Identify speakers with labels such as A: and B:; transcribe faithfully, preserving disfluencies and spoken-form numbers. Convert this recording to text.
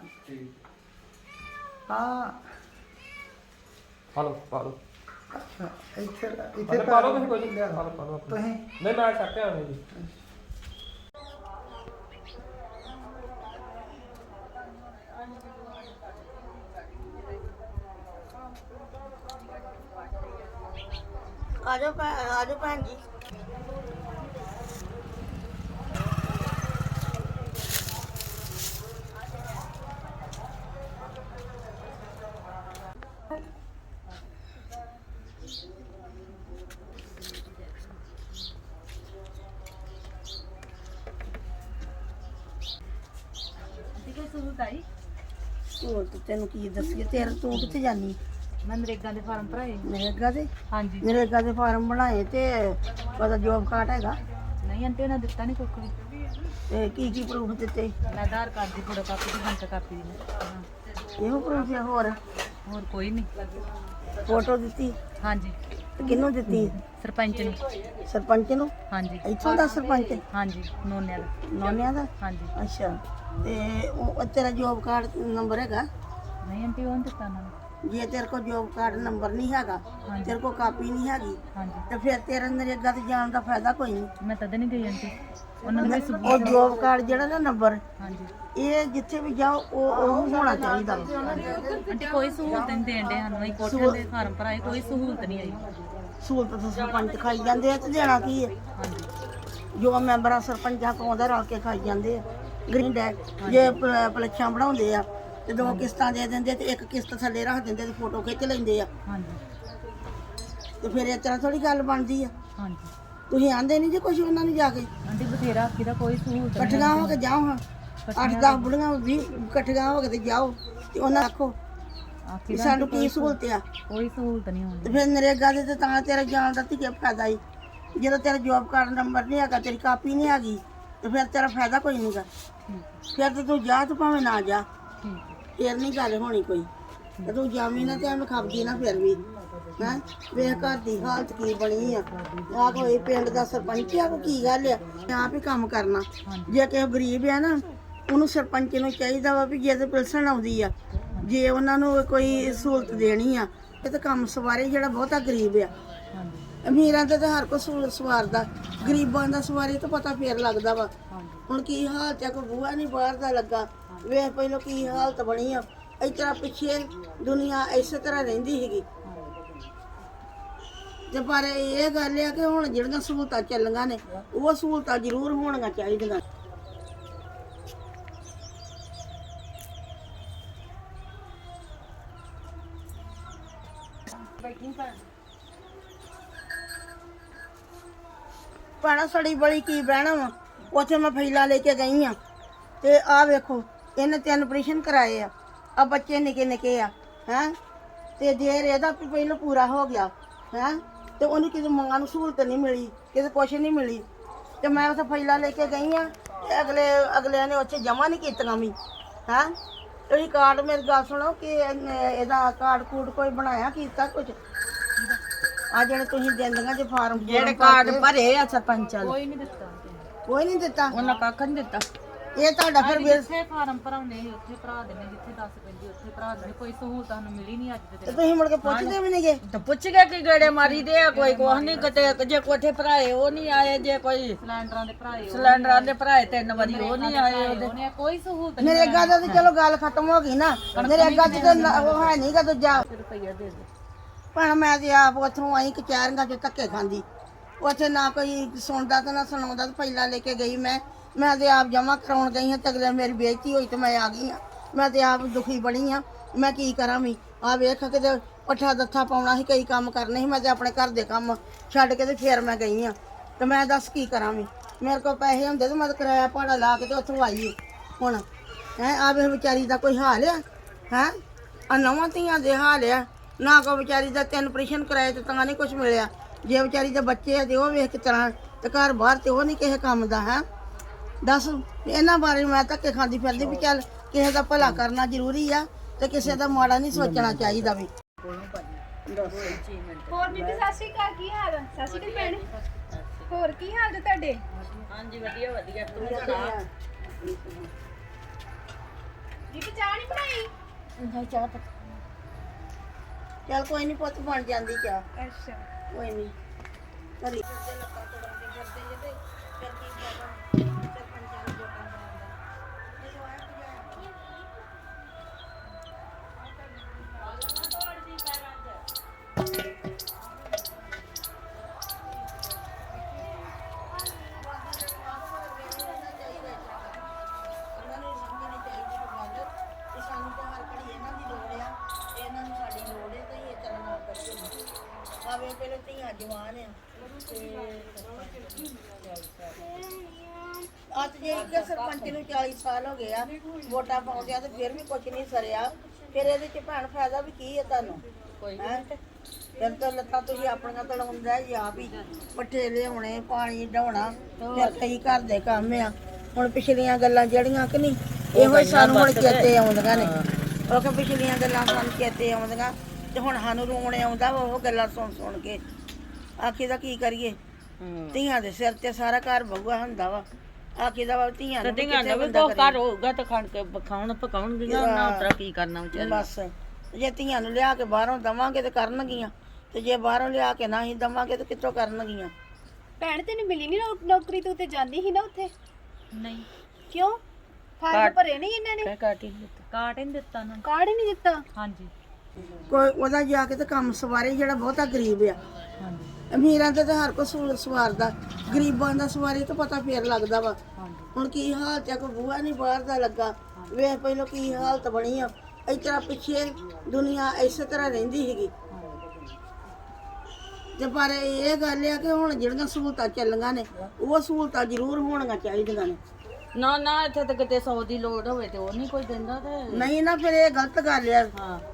A: ਹਾਂ
B: ਹਲੋ ਪਾਲੋ
A: ਅੱਛਾ ਇੱਥੇ
B: ਇੱਥੇ ਪਾਲੋ ਤੁਸੀਂ ਕੋਈ ਨਹੀਂ ਪਾਲੋ ਪਾਲੋ
A: ਤੁਸੀਂ
B: ਨਹੀਂ ਮੈਂ ਚੱਕਿਆ ਨਹੀਂ ਜੀ
C: ਆ ਜਾਓ ਆ ਜਾਓ ਭੈਣ ਜੀ ਹੋਰ ਤੇ ਤੈਨੂੰ ਕੀ ਦੱਸੀਏ ਤੇਰੇ ਤੂੰ ਕਿੱਥੇ ਜਾਨੀ
D: ਮੈਂ ਨਰੇਗਾ ਦੇ ਫਾਰਮ ਭਰਾਏ
C: ਨਰੇਗਾ ਦੇ
D: ਹਾਂਜੀ
C: ਨਰੇਗਾ ਦੇ ਫਾਰਮ ਬਣਾਏ ਤੇ ਉਹਦਾ ਜੋਬ ਕਾਰਡ ਹੈਗਾ
D: ਨਹੀਂ ਆਂਟੀ ਉਹਨਾਂ ਦਿੱਤਾ ਨਹੀਂ ਕੁੱਖ ਵੀ
C: ਤੇ ਕੀ ਕੀ ਪ੍ਰੂਫ ਦਿੱਤੇ
D: ਮੈਂ ਆਧਾਰ ਕਾਰਡ ਦੀ ਫੋਟੋ ਕਾਪੀ ਦੀ ਹੰਕ ਕਾਪੀ ਦੀ ਹਾਂ।
C: ਇਹੋ ਪ੍ਰੂਫ ਆ ਹੋਰ
D: ਹੋਰ ਕੋਈ ਨਹੀਂ
C: ਫੋਟੋ ਦਿੱਤੀ
D: ਹਾਂਜੀ
C: ਤੇ ਕਿਹਨੂੰ ਦਿੱਤੀ
D: ਸਰਪੰਚ ਨੂੰ
C: ਸਰਪੰਚ ਨੂੰ
D: ਹਾਂਜੀ
C: ਇੱਥੋਂ ਦਾ ਸਰਪੰਚ
D: ਹਾਂਜੀ ਨੋਨਿਆਂ ਦਾ
C: ਨੌਨਿਆਂ ਦਾ
D: ਹਾਂਜੀ
C: ਅੱਛਾ ਤੇ ਉਹ ਤੇਰਾ ਜੋਬ ਕਾਰਡ ਨੰਬਰ ਹੈਗਾ
D: ਨਹੀਂ ਆਂਟੀ ਉਹ ਨਹੀਂ ਦਿੱਤਾ ਉਹਨਾਂ ਨੇ
C: ਜੇ ਤੇਰੇ ਕੋਲ ਜੋਬ ਕਾਰਡ ਨੰਬਰ ਨਹੀਂ ਹੈਗਾ ਤੇਰੇ ਕੋਲ ਕਾਪੀ ਨਹੀਂ ਹੈਗੀ
D: ਹਾਂਜੀ
C: ਤੇ ਫਿਰ ਤੇਰੇ ਨਰੇਗਾ ਤੇ ਜਾਣ ਦਾ ਫਾਇਦਾ ਕੋਈ ਨਹੀਂ
D: ਮੈਂ ਤਦ ਨਹੀਂ ਗਈ ਆਂਟੀ ਉਹਨਾਂ ਨੇ ਕੋਈ
C: ਉਹ ਜੋਬ ਕਾਰਡ ਜਿਹੜਾ ਨਾ ਨੰਬਰ
D: ਹਾਂਜੀ
C: ਇਹ ਜਿੱਥੇ ਵੀ ਜਾਓ ਉਹ ਉਹ ਹੋਣਾ ਚਾਹੀਦਾ ਵਾ।
D: ਆਂਟੀ ਕੋਈ ਸਹੂਲਤ ਨਹੀਂ ਦੇਣ ਦੇ ਸਾਨੂੰ ਅਸੀਂ ਕੋਠੇ ਦੇ ਫਾਰਮ ਭਰਾਏ ਕੋਈ ਸਹੂਲਤ ਨਹੀਂ ਆਈ
C: ਸਹੂਲਤ ਤਾਂ ਸਰਪੰਚ ਖਾਈ ਜਾਂਦੇ ਆ ਤੇ ਦੇਣਾ ਕੀ ਹੈ
D: ਹਾਂਜੀ
C: ਜੋ ਮੈਂਬਰਾਂ ਸਰਪੰਚਾਂ ਕੋਲ ਆਉਂਦਾ ਰਲ ਕੇ ਖਾਈ ਜਾਂਦੇ ਆ ਗ੍ਰੀਨ ਡੈਕ ਜੇ ਪ- ਪਲੱਛਾਂ ਬਣਾਉਂਦੇ ਆ ਤੇ ਦੋ ਕਿਸ਼ਤਾਂ ਦੇ ਦਿੰਦੇ ਤੇ ਇੱਕ ਕਿਸ਼ਤ ਥੱਲੇ ਰੱਖ ਦਿੰਦੇ ਤੇ ਫੋਟੋ ਖਿੱਚ ਲੈਂਦੇ ਆ
D: ਹਾਂਜੀ
C: ਤੇ ਫਿਰ ਇਸ ਤਰ੍ਹਾਂ ਥੋੜੀ ਗੱਲ ਬਣਦੀ ਆ
D: ਹਾਂਜੀ
C: ਤੁਸੀਂ ਆਂਦੇ ਨਹੀਂ ਜੇ ਕੁਝ ਉਹਨਾਂ ਨੂੰ ਜਾ ਕੇ
D: ਆਂਟੀ ਬਥੇਰਾ ਆਖੀ ਦਾ ਕੋਈ ਸਹੂਲਤ ਨਹੀਂ
C: ਇਕੱਠੀਆਂ ਹੋ ਕੇ ਜਾਓ ਹਾਂ ਅੱਠ ਦਸ ਬੁੜੀਆਂ ਵੀਹ ਇਕੱਠੀਆਂ ਹੋ ਕੇ ਤੇ ਜਾਓ ਤੇ ਉਹਨਾਂ ਆਖੋ
D: ਆਖੀ
C: ਵੀ
D: ਦਾ
C: ਸਾਨੂੰ ਕੀ ਸਹੂਲਤ ਆ
D: ਕੋਈ ਸਹੂਲਤ ਨਹੀਂ
C: ਤੇ
D: ਹੁੰਦੀ
C: ਫਿਰ ਨਰੇਗਾ ਦੇ ਤੇ ਤਾਂ ਤੇਰਾ ਜਾਣ ਦਾ ਧੀਏ ਫਾਇਦਾ ਹੀ ਜਦੋਂ ਤੇਰਾ ਜੋਬ ਕਾਰਡ ਨੰਬਰ ਨਹੀਂ ਹੈਗਾ ਤੇਰੀ ਕਾਪੀ ਨਹੀਂ ਹੈਗੀ ਤੇ ਫਿਰ ਤੇਰਾ ਫਾਇਦਾ ਕੋਈ ਨਹੀਂਗਾ ਫਿਰ ਤੇ ਤੂੰ ਜਾ ਤੂੰ ਭਾਵੇਂ ਨਾ ਜਾ
D: ਠੀਕ
C: ਫਿਰ ਨਹੀਂ ਗੱਲ ਹੋਣੀ ਕੋਈ ਤੇ ਤੂੰ ਜਾਵੀਂ ਨਾ ਤੇ ਐਵੇਂ ਖਪਦੀ ਨਾ ਫਿਰ ਵੀ ਹੈਂ ਵੇਖ ਘਰ ਦੀ ਹਾਲਤ ਕੀ ਬਣੀ ਆ ਆ ਕੋਈ ਪਿੰਡ ਦਾ ਸਰਪੰਚ ਆ ਕੋ ਕੀ ਗੱਲ ਆ ਆਪ ਹੀ ਕੰਮ ਕਰਨਾ ਜੇ ਕਿਸੇ ਗਰੀਬ ਆ ਨਾ ਉਹਨੂੰ ਸਰਪੰਚ ਨੂੰ ਚਾਹੀਦਾ ਵਾ ਵੀ ਜੇ ਤੇ ਪਿਲਸਣ ਆਉਂਦੀ ਆ ਜੇ ਉਹਨਾਂ ਨੂੰ ਕੋਈ ਸਹੂਲਤ ਦੇਣੀ ਆ ਇਹ ਤਾਂ ਕੰਮ ਸਵਾਰੇ ਜਿਹੜਾ ਬਹੁਤਾ ਗਰੀਬ ਆ
D: ਹਾਂਜੀ
C: ਅਮੀਰਾਂ ਦਾ ਤਾਂ ਹਰ ਕੋਈ ਸਹੂਲਤ ਸਵਾਰਦਾ ਗਰੀਬਾਂ ਦਾ ਸਵਾਰੀ ਤਾਂ ਪਤਾ ਫੇਰ ਲੱਗਦਾ ਵਾ ਹੁਣ ਕੀ ਹਾਲਤ ਆ ਕੋਈ ਬੂਹਾ ਨਹੀਂ ਬਾਹਰ ਦਾ ਲੱਗਾ ਵੇਖ ਪਹਿਲਾਂ ਕੀ ਹਾਲਤ ਬਣੀ ਆ ਇਸ ਤਰ੍ਹਾਂ ਪਿੱਛੇ ਦੁਨੀਆ ਇਸੇ ਤਰ੍ਹਾਂ ਰਹਿੰਦੀ ਸੀਗੀ ਤੇ ਪਰ ਇਹ ਗੱਲ ਆ ਕਿ ਹੁਣ ਜਿਹੜੀਆਂ ਸਹੂਲਤਾਂ ਚੱਲੀਆਂ ਨੇ ਉਹ ਸਹੂਲਤਾਂ ਜ਼ਰੂਰ ਹੋਣੀਆਂ ਚਾਹੀਦੀਆਂ ਭੈਣਾ ਸੜੀ ਬੜੀ ਕੀ ਬਹਿਣਾ ਵਾ ਉੱਥੇ ਮੈਂ ਫੈਲਾ ਲੈ ਕੇ ਗਈ ਆ ਤੇ ਆਹ ਵੇਖੋ ਇਹਨੇ ਤਿੰਨ ਆਪਰੇਸ਼ਨ ਕਰਾਏ ਆ ਆ ਬੱਚੇ ਨਿੱਕੇ ਨਿੱਕੇ ਆ ਹੈ ਤੇ ਜੇ ਇਹਦਾ ਵੀ ਪਹਿਲਾਂ ਪੂਰਾ ਹੋ ਗਿਆ ਹੈ ਤੇ ਉਹਨੂੰ ਕਿਸੇ ਮਾਂ ਨੂੰ ਸਹੂਲਤ ਨਹੀਂ ਮਿਲੀ ਕਿਸੇ ਕੁਛ ਨਹੀਂ ਮਿਲੀ ਤੇ ਮੈਂ ਉੱਥੇ ਫੈਲਾ ਲੈ ਕੇ ਗਈ ਆ ਤੇ ਅਗਲੇ ਅਗਲਿਆਂ ਨੇ ਉੱਥੇ ਜਮਾ ਨਹੀਂ ਕੀਤੀਆਂ ਵੀ ਹੈ ਤੁਸੀਂ ਕਾਰਡ ਮੇਰੀ ਗੱਲ ਸੁਣੋ ਕਿ ਇਹਨੇ- ਇਹਦਾ ਕਾਰਡ ਕੂਡ ਕੋਈ ਬਣਾਇਆ ਕੀਤਾ ਕੁਝ ਆ ਜਿਹੜੇ ਤੁਸੀਂ ਦਿੰਦੀਆਂ ਜੇ ਫਾਰਮ ਜਿਹੜੇ ਕਾਰਡ ਭਰੇ ਆ ਸਰਪੰਚਾਂ
D: ਕੋਈ ਨਹੀਂ ਦਿੱਤਾ
C: ਕੋਈ ਨਹੀਂ ਦਿੱਤਾ
D: ਉਹਨਾਂ ਕੱਖ ਨਹੀਂ ਦਿੱਤਾ
C: ਇਹ ਤੁਹਾਡਾ ਫਿਰ ਬਿਲ
D: ਜਿੱਥੇ ਫਾਰਮ ਭਰਾਉਂਦੇ ਸੀ ਉੱਥੇ ਭਰਾ ਦਿੰਦੇ ਜਿੱਥੇ ਦੱਸ ਪੈਂਦੀ ਉੱਥੇ ਭਰਾ ਦਿੰਦੇ ਕੋਈ ਸਹੂਲਤ ਸਾਨੂੰ ਮਿਲੀ ਨਹੀਂ ਅੱਜ ਦੇ
C: ਤੇ
D: ਦਿਨ
C: ਤੁਸੀਂ ਮੁੜ ਕੇ ਪੁੱਛਦੇ ਵੀ ਨਹੀਂਗੇ
E: ਤਾਂ ਪੁੱਛ ਗਿਆ ਕਿ ਗੇੜੇ ਮਾਰੀ ਦੇ ਆ ਕੋਈ ਕੁਛ ਨਹੀਂ ਕਿਤੇ ਜੇ ਕੋਠੇ ਭਰਾਏ ਉਹ ਨਹੀਂ ਆਏ ਜੇ ਕੋਈ
D: ਸਿਲੰਡਰਾਂ ਦੇ ਭਰਾਏ ਉਹ
E: ਸਿਲੰਡਰਾਂ ਦੇ ਭਰਾਏ ਤਿੰਨ ਵਾਰੀ ਉਹ ਨਹੀਂ ਆਏ ਉਹਦੇ
D: ਉਹਨੇ ਕੋਈ ਸਹੂਲਤ ਨਹੀਂ
C: ਨਰੇਗਾ ਦਾ ਤਾਂ ਚਲੋ ਗੱਲ ਖਤਮ ਹੋ ਗਈ ਨਾ ਨਰੇਗਾ ਚ ਤਾਂ ਨਾ- ਉਹ ਹੈ ਨਹੀਂਗਾ ਦੂਜਾ
D: ਰੁਪਈਆ ਦੇ ਦੇ
C: ਭੈਣ ਮੈਂ ਤੇ ਆਪ ਉੱਥੋਂ ਆਈ ਕਚਹਿਰੀਆਂ ਚ ਧੱਕੇ ਖਾਂਦੀ ਉੱਥੇ ਨਾ ਕੋਈ ਸੁਣਦਾ ਤੇ ਨਾ ਸੁਣਾਉਂਦਾ ਤੇ ਪਹਿਲਾਂ ਲੈ ਕੇ ਗਈ ਮੈਂ ਮੈਂ ਤੇ ਆਪ ਜਮਾ ਕਰਾਉਣ ਗਈ ਹਾਂ ਤੇ ਅਗਲੇ ਮੇਰੀ ਬੇਇੱਜ਼ਤੀ ਹੋਈ ਤੇ ਮੈਂ ਆ ਗਈ ਹਾਂ ਮੈਂ ਤੇ ਆਪ ਦੁਖੀ ਬਣੀ ਆ ਮੈਂ ਕੀ ਕਰਾਂ ਵੀ ਆ ਵੇਖ ਕਿਤੇ ਪੱਠਾ ਦੱਥਾ ਪਾਉਣਾ ਸੀ ਕਈ ਕੰਮ ਕਰਨੇ ਸੀ ਮੈਂ ਤੇ ਆਪਣੇ ਘਰ ਦੇ ਕੰਮ ਛੱਡ ਕੇ ਤੇ ਫੇਰ ਮੈਂ ਗਈ ਆ ਤੇ ਮੈਂ ਦੱਸ ਕੀ ਕਰਾਂ ਵੀ ਮੇਰੇ ਕੋਲ ਪੈਸੇ ਹੁੰਦੇ ਤੇ ਮੈਂ ਤਾਂ ਕਿਰਾਇਆ ਭਾੜਾ ਲਾ ਕੇ ਤੇ ਉੱਥੋਂ ਆਈ ਹੁਣ ਹੈ ਆ ਵੇ ਵਿਚਾਰੀ ਦਾ ਕੋਈ ਹਾਲ ਆ ਹੈ ਆ ਨਵਾਂ ਧੀਆਂ ਦੇ ਹਾਲ ਆ ਨਾ ਕੋ ਵਿਚਾਰੀ ਦਾ ਤਿੰਨ ਆਪਰੇਸ਼ਨ ਕਰਾਏ ਤੇ ਤਾਂ ਨਹੀਂ ਕੁਝ ਮਿਲਿਆ ਜੇ ਵਿਚਾਰੀ ਦੇ ਬੱਚੇ ਆ ਤੇ ਉਹ ਵੇਖ ਕੇ ਤਰ੍ਹਾਂ ਤੇ ਘਰ ਬਾਹਰ ਤੇ ਉਹ ਨਹੀਂ ਕਿਸੇ ਕੰਮ ਦਾ ਹੈ ਦੱਸ ਇਹਨਾਂ ਬਾਰੇ ਮੈਂ ਧੱਕੇ ਖਾਂਦੀ ਫਿਰਦੀ ਵੀ ਚੱਲ ਕਿਸੇ ਦਾ ਭਲਾ ਕਰਨਾ ਜ਼ਰੂਰੀ ਆ ਤੇ ਕਿਸੇ ਦਾ ਮਾੜਾ ਨਹੀਂ ਸੋਚਣਾ ਚਾਹੀਦਾ ਵੀ
F: ਹੋਰ ਬੀਬੀ ਸਤਿ ਸ਼੍ਰੀ ਅਕਾਲ ਕੀ ਹਾਲ ਆ? ਸਤਿ ਸ਼੍ਰੀ ਅਕਾਲ ਭੈਣ ਹੋਰ ਕੀ ਹਾਲ ਜੀ ਤੁਹਾਡੇ
E: ਹਾਂਜੀ ਵਧੀਆ ਵਧੀਆ ਤੂੰ ਸੁਣਾ
F: ਬੀਬੀ ਚਾਹ ਨਹੀਂ ਬਣਾਈ?
C: ਨਹੀਂ ਚਾਹ ਪੱਤ ਚੱਲ ਕੋਈ ਨਹੀਂ ਪੁੱਤ ਬਣ ਜਾਂਦੀ ਚਾਹ
F: ਅੱਛਾ
C: ਕੋਈ ਨਹੀਂ ਕਰੀ ਫਿਰਦੇ ਲੱਤਾਂ ਤੋੜਨ ਦੇ ਫਿਰਦੇ ਜੇ ਤੇ ਫਿਰ ਕੀ ਫਾਇਦਾ ਸਰਪੰਚਾਂ ਨੂੰ ਵੋਟਾਂ ਪਾਉਣ ਦਾ ਜਦੋਂ ਆਇਆ ਪੁਜਾਰੀ ਉਹਨਾਂ ਨੂੰ ਸਮਝਣੀ ਚਾਹੀਦੀ ਕਿ ਗੱਲ ਕਿ ਸਾਨੂੰ ਤਾਂ ਹਰ ਘੜੀ ਇਹਨਾਂ ਦੀ ਲੋੜ ਆ ਇਹਨਾਂ ਨੂੰ ਸਾਡੀ ਲੋੜ ਹੈ ਤੇ ਇਹ ਤਰ੍ਹਾਂ ਨਾ ਕਰੀਏ ਆਵੇ ਪਹਿਲੇ ਧੀਆਂ ਜਵਾਨ ਆ ਤੇ ਅੱਜ ਜੇ ਇੱਕ ਸਰਪੰਚ ਨੂੰ ਚਾਲੀ ਸਾਲ ਹੋ ਗਏ ਆ ਵੋਟਾਂ ਪਾਉਂਦੇ ਆ ਤੇ ਫਿਰ ਵੀ ਕੁਝ ਨਹੀਂ ਸਰਿਆ ਫਿਰ ਇਹਦੇ ਚ ਭੈਣ ਫਾਇਦਾ ਵੀ ਕੀ ਹੈ ਤੁਹਾਨੂੰ ਕੋਈ ਫਿਰ ਤਾਂ ਲੱਤਾਂ ਤੁਸੀਂ ਆਪਣੀਆਂ ਤੜਾਉਂਦਾ ਜੀ ਆਪ ਹੀ ਪੱਠੇ ਲਿਆਉਣੇ ਪਾਣੀ ਢਾਉਣਾ ਫਿਰ ਕਈ ਘਰ ਦੇ ਕੰਮ ਆ ਹੁਣ ਪਿਛਲੀਆਂ ਗੱਲਾਂ ਜਿਹੜੀਆਂ ਕਿ ਨਹੀਂ ਇਹੋ ਹੀ ਸਾਨੂੰ ਹੁਣ ਚੇਤੇ ਆਉਂਦੀਆਂ ਨੇ ਉਹ ਕਿ ਪਿਛਲੀਆਂ ਗੱਲਾਂ ਸਾਨੂੰ ਚੇਤੇ ਆਉਂਦੀਆਂ ਤੇ ਹੁਣ ਸਾਨੂੰ ਰੋਣ ਆਉਂਦਾ ਵਾ ਉਹ ਗੱਲਾਂ ਸੁਣ ਸੁਣ ਕੇ ਆਖੀ ਦਾ ਕੀ ਕਰੀਏ ਧੀਆਂ ਦੇ ਸਿਰ ਤੇ ਸਾਰਾ ਘਰ ਬਹੂਆ ਹੁੰਦਾ ਵਾ ਆਖੀ ਦਾ ਵਾ ਧੀਆਂ ਨੂੰ
E: ਧੀਆਂ ਦਾ ਵੀ ਕੁਛ ਘਰ ਹੋਊਗਾ ਤਾਂ ਖਾਣ ਕੇ ਪਕਾਉਣ ਪਕਾਉਣਗੀਆਂ ਨਾ ਉਤਰਾ ਕੀ ਕਰਨਾ ਵਿਚਾਰੀ
C: ਬਸ ਜੇ ਧੀਆਂ ਨੂੰ ਲਿਆ ਕੇ ਬਾਹਰੋਂ ਦਵਾਂਗੇ ਤੇ ਕਰਨਗੀਆਂ ਤੇ ਜੇ ਬਾਹਰੋਂ ਲਿਆ ਕੇ ਨਾ ਹੀ ਦਵਾਂਗੇ ਤੇ ਕਿੱਥੋਂ ਕਰਨਗੀਆਂ
F: ਭੈਣ ਤੈਨੂੰ ਮਿਲੀ ਨਹੀਂ ਨੌਕਰੀ? ਤੂੰ ਤੇ ਜਾਂਦੀ ਸੀ ਨਾ ਉੱਥੇ।
D: ਨਹੀਂ
F: ਕਿਉਂ? ਫਾਰਮ ਭਰੇ ਨਹੀਂ ਇਹਨਾਂ ਨੇ?
E: ਕਾਟੀ ਦਿੱਤਾ
D: ਕਾਟ ਹੀ ਨੀ ਦਿੱਤਾ ਨਾ।
F: ਕਾਰਡ ਹੀ ਨਹੀਂ ਦਿੱਤਾ?
D: ਹਾਂਜੀ
C: ਕੋਈ ਉਹਦਾ ਜਾ ਕੇ ਤੇ ਕੰਮ ਸਵਾਰੇ ਜਿਹੜਾ ਬਹੁਤਾ ਗਰੀਬ ਆ
D: ਹਾਂਜੀ
C: ਅਮੀਰਾਂ ਤੇ ਤਾਂ ਹਰ ਕੋਈ ਸੂਲ ਸਵਾਰਦਾ ਗਰੀਬਾਂ ਦਾ ਸਵਾਰੀ ਤਾਂ ਪਤਾ ਫੇਰ ਲੱਗਦਾ ਵਾ ਹੁਣ ਕੀ ਹਾਲਤ ਆ ਕੋਈ ਬੂਹਾ ਨਹੀਂ ਬਾਹਰ ਦਾ ਲੱਗਾ ਵੇਖ ਪਹਿਲਾਂ ਕੀ ਹਾਲਤ ਬਣੀ ਆ ਇਸ ਤਰ੍ਹਾਂ ਪਿੱਛੇ ਦੁਨੀਆ ਇਸੇ ਤਰ੍ਹਾਂ ਰਹਿੰਦੀ ਸੀਗੀ ਤੇ ਪਰ ਇਹ ਗੱਲ ਆ ਕਿ ਹੁਣ ਜਿਹੜੀਆਂ ਸਹੂਲਤਾਂ ਚੱਲੀਆਂ ਨੇ ਉਹ ਸਹੂਲਤਾਂ ਜ਼ਰੂਰ ਹੋਣੀਆਂ ਚਾਹੀਦੀਆਂ ਨੇ
E: ਨਾ ਨਾ ਇੱਥੇ ਤਾਂ ਕਿਤੇ ਸੌ ਦੀ ਲੋੜ ਹੋਵੇ ਤੇ ਉਹ ਨਹੀਂ ਕੋਈ ਦਿੰਦਾ ਤੇ
C: ਨਹੀਂ ਨਾ ਫਿਰ ਇਹ ਗਲਤ ਗੱਲ ਆ
E: ਹਾਂ